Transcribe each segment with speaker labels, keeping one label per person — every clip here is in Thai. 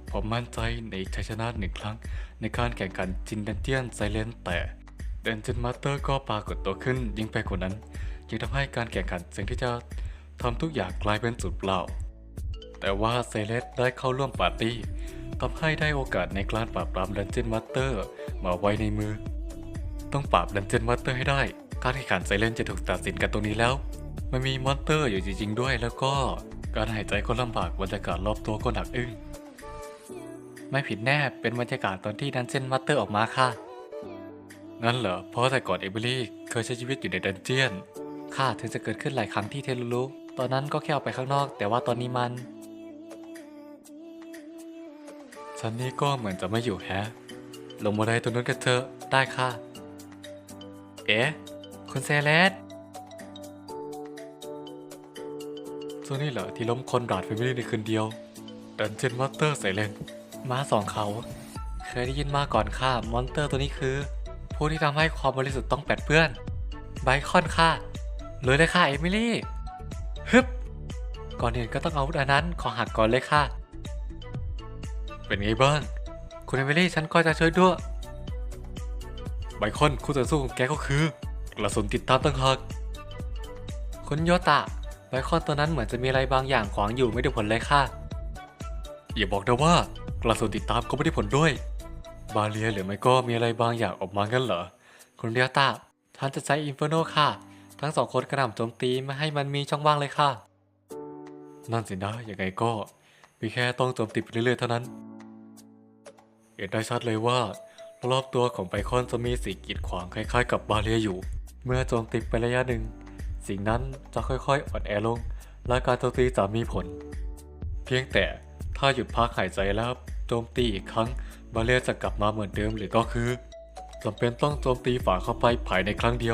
Speaker 1: ผมมั่นใจในชัยชนะหนึ่งครั้งในการแข่งขันจินดันเจียนไซเลนแต่เดนจินมาสเตอร์ก็ปรากฏตัวขึ้นยิ่งไปกว่านั้นจึงทำให้การแข่งขันสิ่งที่จะทำทุกอย่างกลายเป็นสูญเปล่าแต่ว่าเซเลสได้เข้าร่วมปาร์ตี้ทำให้ได้โอกาสในการปราบปรามดันเจียนมาสเตอร์มาไว้ในมือต้องปราบดันเจียนมาสเตอร์ให้ได้การแข่งขันไซเลนจะถูกตัดสินกันตรงนี้แล้วมันมีมอนสเตอร์อยู่จริงๆด้วยแล้วก็การหายใจก็ลำบากบรรยากาศรอบตัวก็หนักอึ้ง ไม่ผิดแน่ เป็นบรรยากาศตอนที่ดันเจียนมาสเตอร์ออกมาค่ะ งั้นเหรอ เพราะแต่ก่อนเอมิลี่เคยใช้ชีวิตอยู่ในดันเจียนค่ะถึงจะเกิดขึ้นหลายครั้งที่เทลูรุตอนนั้นก็แค่ออกไปข้างนอก แต่ว่าตอนนี้มันซันนี่ก็เหมือนจะไม่อยู่แฮะ ลงมาได้ตรงนั้นกันเถอะได้ค่ะ เอ๊ะ คุณเซเลสส่วนนี้เหรอที่ล้มคนราดแฟมิลี่ในคืนเดียว ดันเจียนมาสเตอร์ไซเลนม้าสองเขา เคยได้ยินมาก่อนค่ะ มอนสเตอร์ตัวนี้คือผู้ที่ทำให้ความบริสุทธิ์ต้องแปดเปื้อนไบคอนค่ะเลยเลยค่ะเอมิลี่ฮึบก่อนอื่นก็ต้องเอาอาวุธอันนั้นขอหักก่อนเลยค่ะ เป็นไงบ้าง คุณเอมิลี่ฉันก็จะช่วยด้วยไบคอนคู่ต่อสู้ของแกก็คือกระสุนติดตามตั้งหากคุณโยตะไบคอนตัวนั้นเหมือนจะมีอะไรบางอย่างขวางอยู่ไม่ได้ผลเลยค่ะอย่าบอกนะว่ากระสุนติดตามก็ไม่ได้ผลด้วย บาเลียหรือไม่ก็มีอะไรบางอย่างออกมางั้นเหรอคุณเรียตาท่านจะใช้อินเฟอร์โนค่ะทั้งสองคนกระหน่ำโจมตีไม่ให้มันมีช่องว่างเลยค่ะนั่นสินะยังไงก็มีแค่ต้องโจมตีไปเรื่อยๆเท่านั้นเห็นได้ชัดเลยว่ารอบตัวของไบคอนจะมีสิ่งกีดขวางคล้ายๆกับบาเลียอยู่เมื่อโจมตีไประยะหนึ่งสิ่งนั้นจะค่อยๆอ่อนแอลงและการโจมตีจะมีผลเพียงแต่ถ้าหยุดพักหายใจแล้วโจมตีอีกครั้งบาเลียจะกลับมาเหมือนเดิมหรือก็คือจำเป็นต้องโจมตีฝ่าเข้าไปภายในครั้งเดียว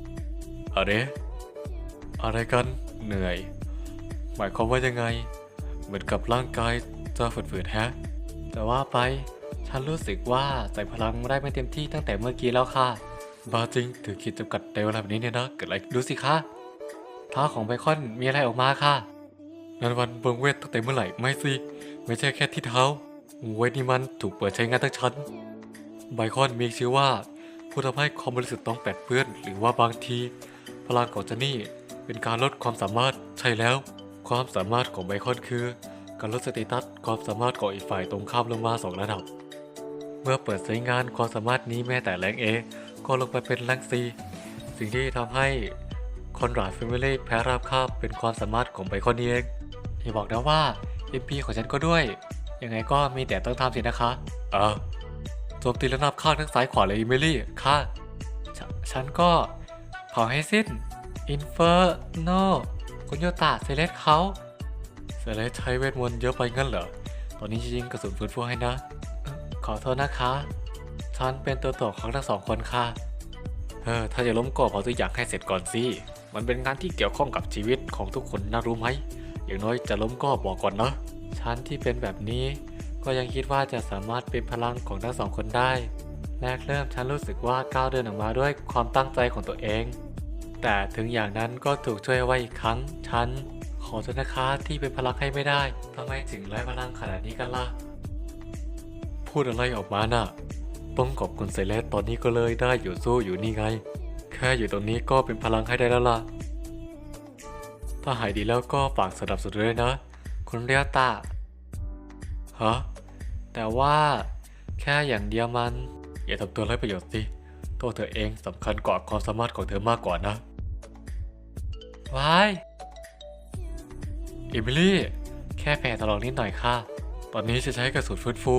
Speaker 1: อะไรกันเหนื่อยหมายความว่ายังไงเหมือนกับร่างกายจะฝืดๆแฮะแต่ว่าไปฉันรู้สึกว่าใส่พลังได้ไม่เต็มที่ตั้งแต่เมื่อกี้แล้วค่ะบาจริงถือขีดจำกัดในเวลาแบบนี้เนี่ยนะเกิดอะไรดูสิคะเท้าของไบคอนมีอะไรออกมาค่ะนันวันเบิงเวทตั้งแต่เมื่อไหร่ไม่สิไม่ใช่แค่ที่เท้าเวทนี่มันถูกเปิดใช้งานทั้งชั้นไบคอนมีชื่อว่าผู้ทำให้ความบริสุทธิ์ต้องแปดเปื้อนหรือว่าบางทีพลังของจานี่เป็นการลดความสามารถใช่แล้วความสามารถของไบคอนคือการลดสเตตัสความสามารถของอีกฝ่ายตรงข้ามลงมา2 ระดับเมื่อเปิดใช้งานความสามารถนี้แม้แต่แรงเอก็ลงไปเป็นแรงซีสิ่งที่ทำให้คอนราดแฟมิลี่แพ้ราบคาบเป็นความสามารถของไบคอนนี่เองอย่าบอกนะว่า MP ของฉันก็ด้วยยังไงก็มีแต่ต้องทำสินะคะโจมตีระนาบข้างทั้งซ้ายขวาเลยอิเมลี่ค่ะฉันก็เผาให้สิ้นอินเฟอร์โนคุณโยตะเซเลสเขาเซเลสใช้เวทมนต์เยอะไปงั้นเหรอตอนนี้จริงๆกระสุนฟื้นฟูให้นะขอโทษนะคะฉันเป็นตัวถ่วงของทั้งสองคนค่ะถ้าจะล้มก็เผาตัวอย่างให้เสร็จก่อนสิมันเป็นงานที่เกี่ยวข้องกับชีวิตของทุกคนนะรู้ไหมอย่างน้อยจะล้มก็บอกก่อนนะฉันที่เป็นแบบนี้ก็ยังคิดว่าจะสามารถเป็นพลังของทั้งสองคนได้แรกเริ่มฉันรู้สึกว่าก้าวเดินออกมาด้วยความตั้งใจของตัวเองแต่ถึงอย่างนั้นก็ถูกช่วยไว้อีกครั้งฉันขอโทษนะคะที่เป็นพลังให้ไม่ได้ทำไมถึงไร้พลังขนาดนี้กันล่ะพูดอะไรออกมาน่ะต้องขอบคุณเซเลสตอนนี้ก็เลยได้อยู่สู้อยู่นี่ไงแค่อยู่ตรงนี้ก็เป็นพลังให้ได้แล้วล่ะถ้าหายดีแล้วก็ฝากสนับสนุนด้วยนะคุณเรียตาฮะแต่ว่าแค่อย่างเดียวมันอย่าทำตัวไร้ประโยชน์สิตัวเธอเองสำคัญกว่าความสามารถของเธอมากกว่านะวายเอมิลี่แค่แผลถลอกนิดหน่อยค่ะตอนนี้จะใช้กระสุนฟื้นฟู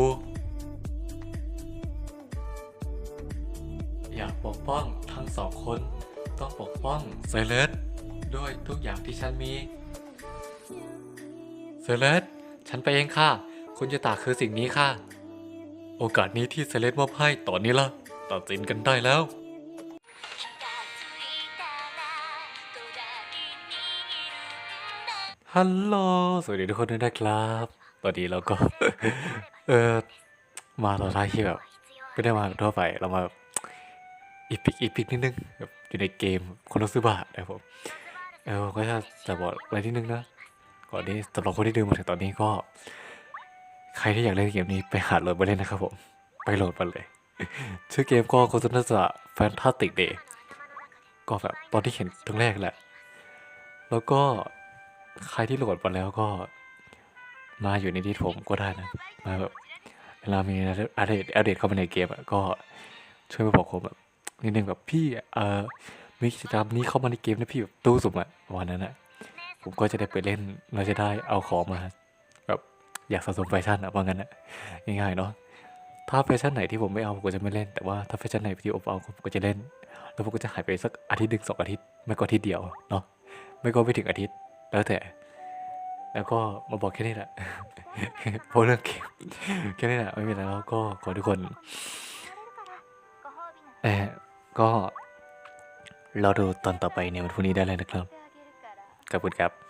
Speaker 1: อยากปกป้องทั้งสองคนต้องปกป้องเซเลสด้วยทุกอย่างที่ฉันมีเซเลสฉันไปเองค่ะคุณจะตาคือสิ่งนี้ค่ะโอกาสนี้ที่เซเลสมอบให้ตอนนี้ละตัดสินกันได้แล้วฮัลโหลสวัสดีทุกคนด้วยนะครับตอนนี้เราก็ เออมาตอนท้ายที่แบบไม่ได้มาแบบทั่วไปเรามาแบบอีพิกนิดนึงแบบอยู่ในเกมคนรักซื้อบาทนะครับผมก็จะบอกอะไรนิดนึงนะก่อนนี้สำหรับคนที่ดูมาถึงตอนนี้ก็ใครที่อยากเล่นเกมนี้ไปหาโหลดมาเล่นนะครับผมไปโหลดมาเลยชื่อเกมก็โฆษณาจะแฟนตาติกเดย์ก็แบบตอนที่เห็นครั้งแรกแหละแล้วก็ใครที่โหลดมาแล้วก็มาอยู่ในดิสผมก็ได้นะมาแบบเวลามีอัปเดตเข้ามาในเกมอะก็ช่วยมาบอกผมแบบนิดนึงแบบพี่มีกิจกรรมนี้เข้ามาในเกมนะพี่แบบตู้สุ่มอะวันนั้นอะผมก็จะได้ไปเล่นเราจะได้เอาของมาแบบอยากสะสมแฟชั่นอะว่างั้นอะง่ายๆเนาะถ้าแฟชั่นไหนที่ผมไม่เอาผมก็จะไม่เล่นแต่ว่าถ้าแฟชั่นไหนที่ผมเอาผมก็จะเล่นแล้วผมก็จะหายไปสักอาทิตย์หนึ่ง2 อาทิตย์ไม่ก็อาทิตย์เดียวเนาะไม่ก็ไม่ถึงอาทิตย์แล้วแต่แล้วก็มาบอกแค่นี้แหละ เพราะเรื่องเกมแค่นี้แหละไม่มีอะไรแล้วก็ขอทุกคนเออก็รอดูตอนต่อไปในวันพรุ่งนี้ได้เลยนะครับขอบคุณครับ